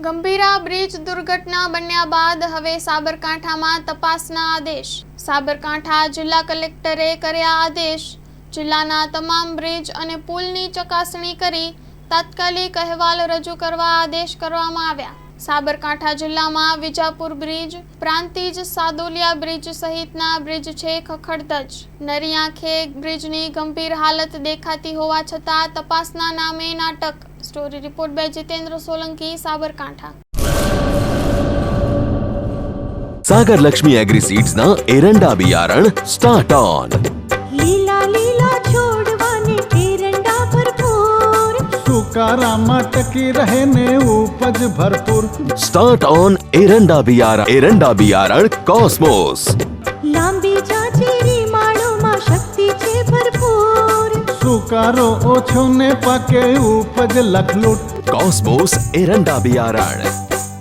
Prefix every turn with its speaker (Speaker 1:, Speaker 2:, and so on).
Speaker 1: Gambhira bridge દુર્ઘટના બન્યા બાદ હવે સાબરકાંઠામાં તપાસના આદેશ। સાબરકાંઠા જિલ્લા કલેક્ટરે કર્યા આદેશ। જિલ્લાના તમામ બ્રિજ અને પુલની ચકાસણી કરી તાત્કાલિક અહેવાલ રજૂ કરવા આદેશ કરવામાં આવ્યા। સાબરકાંઠા જિલ્લામાં વિજાપુર બ્રિજ, પ્રાંતિજ સાદોલિયા બ્રિજ સહિતના બ્રિજ છે ખખડધજ। નરી આંખે બ્રિજની ગંભીર હાલત દેખાતી હોવા છતાં તપાસના નામે નાટક। Story report by Jitendra Solanki, Sabarkantha.
Speaker 2: Sagar Lakshmi agri seeds ना एरंडा बियारण स्टार्ट ऑन।
Speaker 3: લીલા લીલા છોડવાને એરંડા ભરપૂર,
Speaker 4: સુકારામાં ટકી રહે ને ઉપજ ભરપૂર।
Speaker 2: स्टार्ट ऑन एरंडा बियारण कॉस्मोस।
Speaker 3: લાંબી જાચેરી માળોમાં શક્તિ છે ભરપૂર,
Speaker 4: સુકારો ઓછો ને પાકે ઉપજ લખલૂટ।
Speaker 2: कॉस्मोस एरंडा बियारण।